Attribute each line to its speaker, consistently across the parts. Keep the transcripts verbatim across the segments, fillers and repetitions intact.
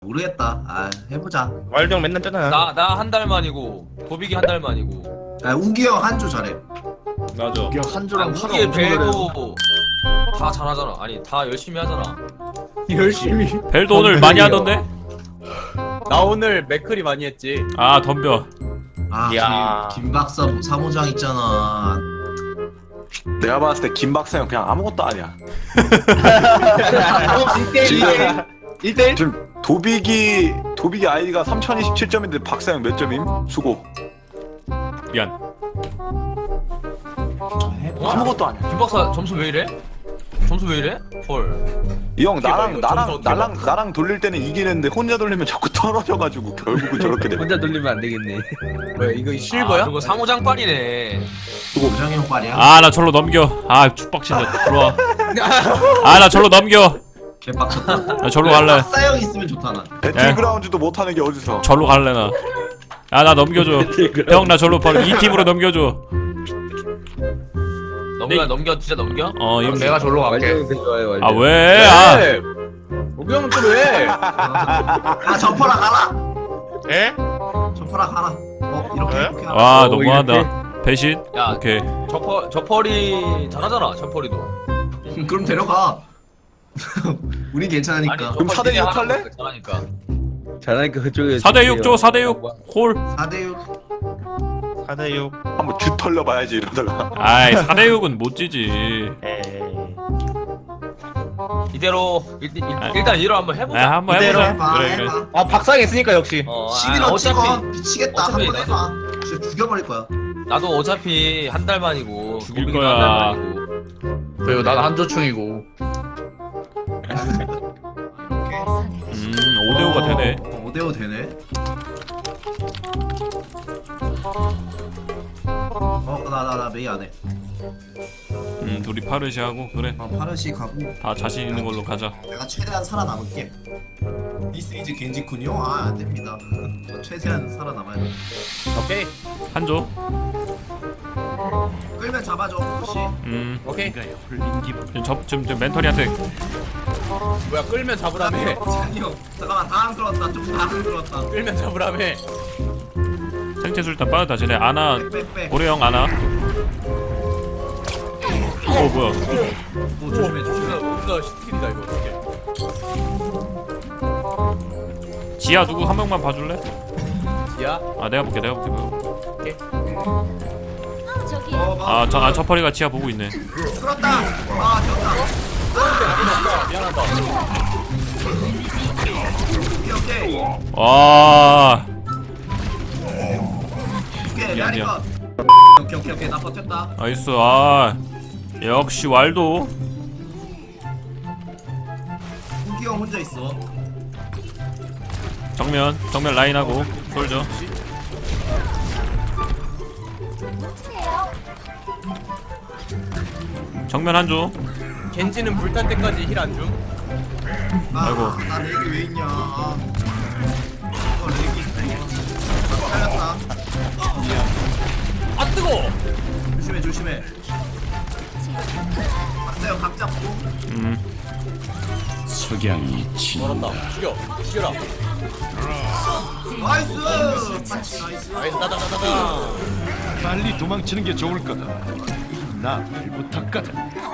Speaker 1: 모르겠다. 아 해보자.
Speaker 2: 왈병 맨날 뜨나?
Speaker 3: 나 나 한 달 만이고 도비기 한 달 만이고.
Speaker 1: 야 우기 형 한 주 잘해.
Speaker 2: 맞아.
Speaker 4: 이게 한 주랑
Speaker 3: 아,
Speaker 4: 팔
Speaker 3: 우기의 벨도 다 잘하잖아. 아니 다 열심히 하잖아.
Speaker 4: 열심히.
Speaker 5: 벨도 오늘 많이 하던데?
Speaker 6: 나 오늘 맥클이 많이 했지.
Speaker 5: 아 덤벼.
Speaker 1: 아
Speaker 2: 야.
Speaker 1: 김, 김 박사 사무장 있잖아.
Speaker 7: 내가 봤을 때 김박사형 그냥 아무것도 아니야.
Speaker 6: 지금 일 대 일?
Speaker 7: 지금 도비기 도비기 아이디가 삼천이십칠 점인데 박사형 몇 점임? 수고.
Speaker 5: 미안.
Speaker 7: 아무것도 아니야.
Speaker 3: 김 박사 점수 왜 이래? 점수 왜 이래? 헐.
Speaker 7: 이 형 나랑
Speaker 6: 이거
Speaker 7: 나랑
Speaker 6: 점수
Speaker 7: 나랑
Speaker 6: 어떻게
Speaker 7: 나랑 돌릴 때는 이기는데 혼자 돌리면 자꾸 떨어져가지고 결국은 저렇게 돼.
Speaker 4: 혼자 돌리면 안 되겠네.
Speaker 6: 뭐야 이거
Speaker 3: 아,
Speaker 6: 실버야?
Speaker 3: 그리고 상호장빨이네.
Speaker 1: 우정이 형 빨이야.
Speaker 5: 아 나 절로 넘겨. 아 축박친다. 들어와. 아 나 절로 넘겨.
Speaker 1: 개빡쳤다.
Speaker 5: 나 절로 갈래.
Speaker 1: 박사 형 있으면 좋다 나.
Speaker 7: 배틀그라운드도 못하는 게 어디서?
Speaker 5: 절로 갈래 나. 야 나 넘겨줘. 형 나 절로 바로 이 팀으로 넘겨줘.
Speaker 3: 넘겨
Speaker 5: 네.
Speaker 3: 넘겨 진짜 넘겨?
Speaker 5: 어 이거
Speaker 4: 내가 절로 갈게. 좋아요.
Speaker 5: 아 왜? 아
Speaker 6: 왜? 오기 형은 또 왜?
Speaker 1: 아 접어라 가라.
Speaker 2: 에?
Speaker 1: 접어라 가라. 어 이렇게
Speaker 2: 왜?
Speaker 1: 이렇게. 하라.
Speaker 5: 와
Speaker 4: 어,
Speaker 5: 너무한다. 배신?
Speaker 3: 야
Speaker 5: 오케이.
Speaker 3: 저퍼 저퍼리 잘하잖아. 저퍼리도.
Speaker 1: 그럼 데려가. 우리 괜찮으니까.
Speaker 7: 그럼 사 대 육 할래?
Speaker 3: 잘하니까.
Speaker 4: 잘하니까 그쪽에.
Speaker 5: 사 대 육 줘. 사 대 육. 홀.
Speaker 1: 사 대 육.
Speaker 2: 사 대 육.
Speaker 7: 한번 주 털려봐야지 이러다가.
Speaker 5: 아이 사 대 육은 못 지지.
Speaker 2: 에이.
Speaker 3: 이대로 일, 일, 일단 이대로 한번 해보자.
Speaker 5: 아 한번
Speaker 2: 이대로
Speaker 5: 해보자.
Speaker 1: 해봐
Speaker 5: 그래 그래.
Speaker 1: 해봐.
Speaker 6: 아 박사형 했으니까 역시.
Speaker 3: 어, 아,
Speaker 1: 시비로 찍어.
Speaker 3: 어차피
Speaker 1: 미치겠다.
Speaker 3: 어차피
Speaker 1: 한번 해봐. 진짜 죽여버릴 거야.
Speaker 3: 나도 어차피 한 달 만이고
Speaker 5: 죽일
Speaker 3: 도비기도
Speaker 5: 거야.
Speaker 3: 한달 만이고.
Speaker 4: 그리고 난 한조충이고.
Speaker 5: 음 오 대 오가 되네.
Speaker 1: 어, 오 대 오 되네. 어, 나, 나, 나 메이 안 해.
Speaker 5: 음 둘이 파르시 하고 그래.
Speaker 1: 어, 파르시 가고.
Speaker 5: 다 자신 있는 걸로 가자.
Speaker 1: 내가 최대한 살아남을게. This is 겐지군요? 아, 안 됩니다. 최대한 살아남아야 돼.
Speaker 6: 오케이
Speaker 5: 한조.
Speaker 1: 끌면 잡아줘, 혹시.
Speaker 5: 음.
Speaker 6: 오케이.
Speaker 5: 지금 저 지금 저 멘토리한테
Speaker 6: 뭐야 끌면 잡으라며.
Speaker 1: 찬이 형, 잠깐만, 당황스러웠다. 좀 당황스러웠다.
Speaker 6: 끌면 잡으라며.
Speaker 5: 생체 술탄 빠르다. 쟤네 아나
Speaker 1: 빽, 빽.
Speaker 5: 고래형 아나. 어 뭐야?
Speaker 1: 오, 조심해, 조심해.
Speaker 6: 우리가 스킬이다 이거 스킬.
Speaker 5: 지하 누구 한 명만 봐줄래?
Speaker 6: 야.
Speaker 5: 아 내가 볼게 내가 볼게.
Speaker 1: 어, 막.
Speaker 5: 아저 아, 저퍼리가 지하 보고 있네.
Speaker 1: 끌었다. 아, 졌다.
Speaker 6: 미안하다.
Speaker 1: 오케이, 오케이.
Speaker 5: 와.
Speaker 1: 오케이,
Speaker 5: 미안,
Speaker 1: 메아리
Speaker 5: 미안.
Speaker 1: 컷. 오케이, 오케이, 오케이. 나 버텼다.
Speaker 5: 나이스. 아 역시 왈도.
Speaker 1: 후기 형 혼자 있어.
Speaker 5: 정면 정면 라인하고 솔져. 정면 한조.
Speaker 6: 겐지는 불탈 때까지 힐 안 줌.
Speaker 1: 아,
Speaker 5: 아이고.
Speaker 1: 나 렉이 왜 있냐. 아. 어, 렉이 있어. 아, 살렸다.
Speaker 6: 아 뜨거.
Speaker 1: 조심해, 조심해. 박사요, 각 잡고.
Speaker 5: 음.
Speaker 6: 멀었다. 죽여. 죽여라.
Speaker 1: 나이스! 나이스, 나이스.
Speaker 6: 나이스 따다다다다.
Speaker 8: 빨리 도망치는 게 좋을 거다. 나 말부터 가자.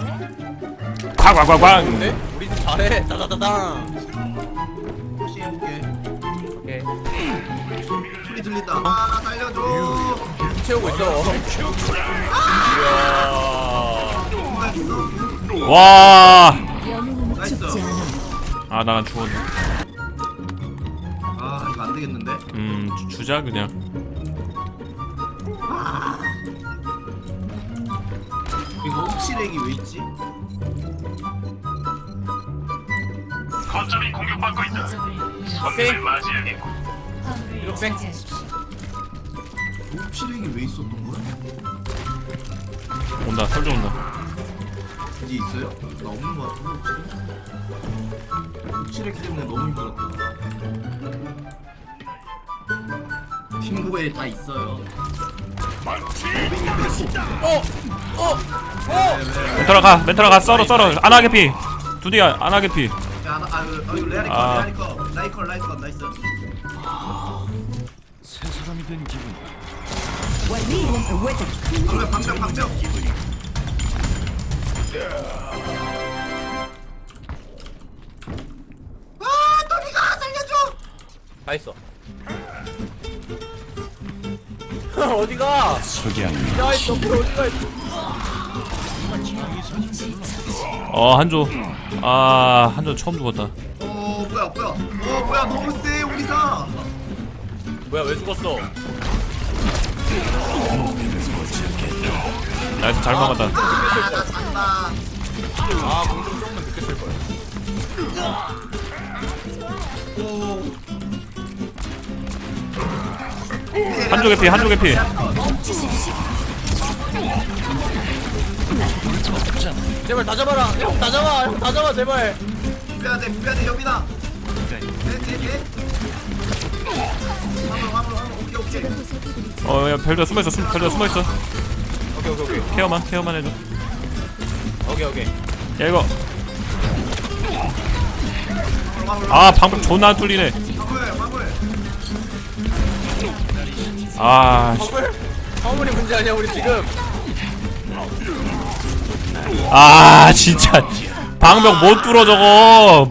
Speaker 5: 쾅쾅쾅쾅.
Speaker 6: 근데 우리 집 잘해. 따다다다.
Speaker 1: 혹시 해볼게.
Speaker 6: 오케이.
Speaker 1: 소리 들린다. 아, 나 살려줘.
Speaker 6: 채우고 있어. 이야.
Speaker 5: 와.
Speaker 1: 나이스.
Speaker 5: 아 나 죽었네.
Speaker 1: 아, 이거 안 되겠는데?
Speaker 5: 음 주- 주자 그냥.
Speaker 1: 이거 혹시 렉이 왜 있지?
Speaker 6: 오케이. 이렇게.
Speaker 1: 혹시 렉이 왜 있었던 거야?
Speaker 5: 온다 솔져 온다.
Speaker 1: 이제 있어요? 나 없는 거 같은데, 혹시 렉 때문에 너무 힘들었다. 팀고에 다 있어요.
Speaker 6: 어. 어. 어.
Speaker 5: 멘토라 가 멘토라 가 썰어 썰어. 안하게 피. 두디야 안하게 피.
Speaker 1: 야, 나, 아, 이거, 아, 이거 레알이 거,
Speaker 5: 아.
Speaker 1: 레알이 거. 라이컬 라이컬 나이스.
Speaker 8: 새 사람이 된 기분.
Speaker 1: 방벽 방벽 방벽. 아 또니가 살려줘.
Speaker 6: 다 있어. 어디가?
Speaker 8: 석양.
Speaker 6: 야 있어. 어디가 있어?
Speaker 5: 어 한조. 아 한조 처음 죽었다.
Speaker 1: 어 뭐야 뭐야. 어 뭐야 너무 세 우리가.
Speaker 6: 뭐야 왜 죽었어?
Speaker 5: 나이스 잘 막았다.
Speaker 1: 아나 잔다.
Speaker 6: 아 공중 조금만 늦게 쓸 거야.
Speaker 1: 오.
Speaker 5: 한조 개피 한조 개피.
Speaker 6: 제발 다 잡아라. 형 다 잡아. 형 다 잡아 제발.
Speaker 1: 빼야 돼 빼야 돼 여기다. 네네네. 화물 화물 화물 오케이 오케이.
Speaker 5: 어야 별도 숨어있어 숨 별도 숨어있어.
Speaker 6: 오케이 오케이 오케이.
Speaker 5: 케어만 케어만 해줘.
Speaker 6: 오케이 오케이.
Speaker 5: 야 이거. 아 방금 존나 안 뚫리네.
Speaker 1: 화물 화물.
Speaker 5: 아 씨.
Speaker 6: 화물? 화물이 문제 아니야 우리 지금.
Speaker 5: 아 진짜 방벽 못 뚫어 저거.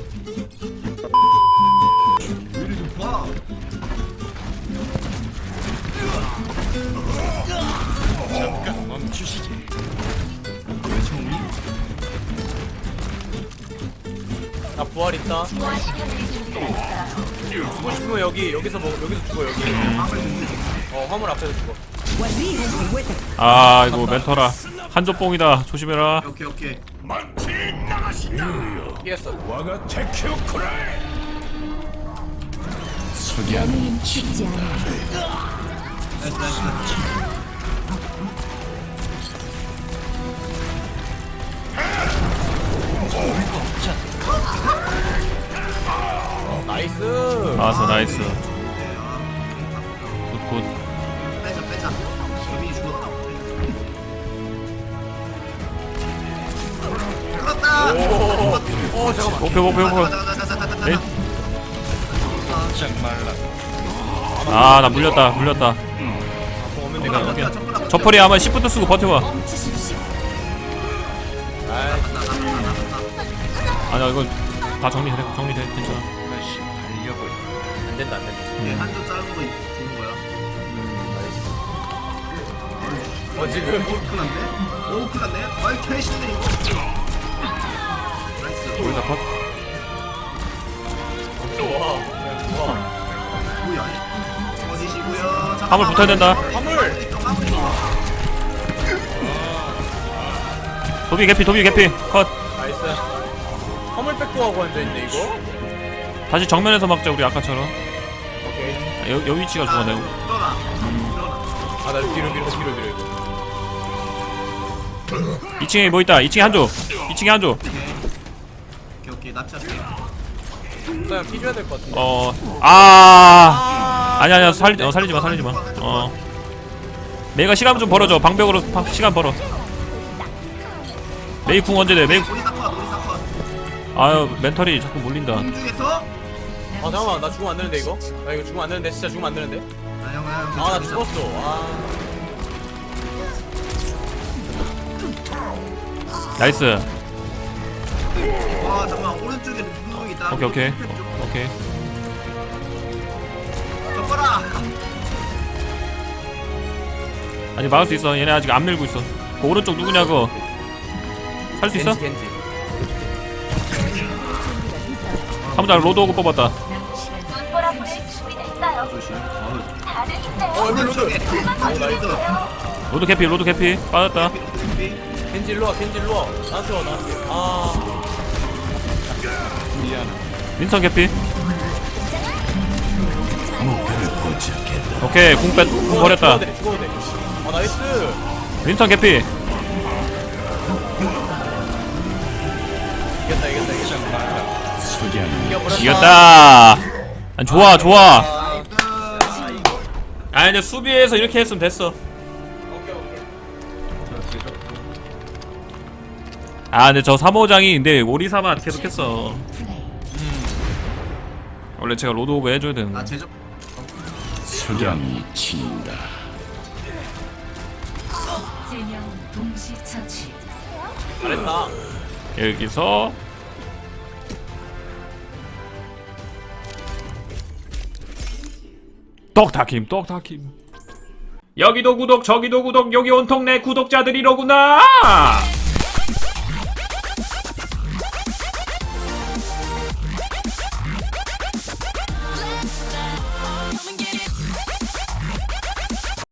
Speaker 1: 와.
Speaker 8: 잠깐 멈추시지.
Speaker 6: 나 부활 있다. 죽고 싶으면 여기 여기서 먹 여기서 죽어 여기. 어 화물 앞에서 죽어.
Speaker 5: 아 이거 멘토라 한조 뽕이다 조심해라.
Speaker 1: 오케이 오케이.
Speaker 6: 피했어.
Speaker 8: 와가 테키오코라. 석양.
Speaker 1: 나이스 나이스.
Speaker 6: 나이스.
Speaker 5: 나왔어 나이스. 굿굿.
Speaker 1: 빼자 빼자. 여민이 죽었다. 죽었다.
Speaker 6: 오 잠깐만.
Speaker 5: 목표 목표 목표. 네?
Speaker 8: 짝 말라.
Speaker 5: 아 나 물렸다 물렸다.
Speaker 1: 내가
Speaker 5: 저펄이 아마 시프트 쓰고 버텨봐. 아니야 이거 다 정리돼 정리돼 괜찮아.
Speaker 8: 다시 달려볼.
Speaker 6: 안 된다 안 된다.
Speaker 1: 한쪽 짧은 거 좋은 거야.
Speaker 6: 어 지금
Speaker 1: 오 큰일 났네. 오 큰일 났네. 아이 캐시들 이거. 나이스.
Speaker 5: 우리 다 컷.
Speaker 6: 좋아. 좋아.
Speaker 1: 뭐야? 어디시고요?
Speaker 5: 화물 붙어야 된다.
Speaker 6: 화물.
Speaker 5: 도비 개피 도비 개피 컷.
Speaker 6: 나이스. 화물 백도 하고 앉아 있네 이거.
Speaker 5: 다시 정면에서 막자 우리 아까처럼.
Speaker 6: 오케이.
Speaker 5: 아, 여, 여기 위치가 좋아 내가.
Speaker 1: 들어가. 들어가.
Speaker 6: 아나 뒤로 밀어 뒤로 밀어 이거.
Speaker 5: 이 층에 뭐 있다. 이 층에 한조. 이 층에 한조.
Speaker 1: 오케이 오케이 납치할게.
Speaker 6: 그냥 피 줘야 될 것 같은데.
Speaker 5: 어. 아. 아니 아니야 살 어, 살리지 마 살리지 마. 어. 메이가 시간 좀 벌어줘. 방벽으로 방, 시간 벌어. 메이 궁 언제 돼? 메이.
Speaker 1: 우리 사건 우리 사건.
Speaker 5: 아유 멘털이 자꾸 몰린다.
Speaker 1: 공중에서.
Speaker 6: 아 잠깐만 나 죽으면 안 되는데 이거? 나 이거 죽으면 안 되는데 진짜 죽으면 안 되는데?
Speaker 1: 아 형아.
Speaker 6: 아 나 죽었어. 아.
Speaker 5: 나이스.
Speaker 1: 와 잠깐만 오른쪽에 누구 있다.
Speaker 5: 오케이 오케이 오케이.
Speaker 1: 덮어라.
Speaker 5: 아직 막을 수 있어. 얘네 아직 안 밀고 있어. 그 오른쪽 누구냐 그거. 살 수 있어?
Speaker 6: 겐지 겐지.
Speaker 5: 사무장 로드 오고 뽑았다.
Speaker 6: 어 여기 로드.
Speaker 1: 오른쪽에.
Speaker 6: 나이스.
Speaker 5: 로드 캐피 로드 캐피 빠졌다.
Speaker 6: 겐지 일로 와 겐지 일로 와. 나한테 와 나한테. 아.
Speaker 5: 윈선 캐피. 오케이 궁 뺐, 궁 버렸다.
Speaker 6: 죽어도 돼 죽어도 돼. 아 나이스.
Speaker 5: 윈선 캐피.
Speaker 6: 이겼다 이겼다 이겼다.
Speaker 8: 석양.
Speaker 6: 이겨버렸다.
Speaker 5: 이겼다. 아니, 좋아 좋아. 아 이제 수비에서 이렇게 했으면 됐어.
Speaker 6: 오케이 오케이.
Speaker 5: 아 근데 저 사모장이 근데 오리사만 계속했어. 원래 제가 로드오그 해줘야 되는
Speaker 1: 아
Speaker 5: 거.
Speaker 1: 제접.
Speaker 8: 석양이 친다.
Speaker 9: 세명 동시 처치.
Speaker 6: 잘했다.
Speaker 5: 여기서 떡타킴 떡타킴. 여기도 구독 저기도 구독 여기 온통 내 구독자들이로구나.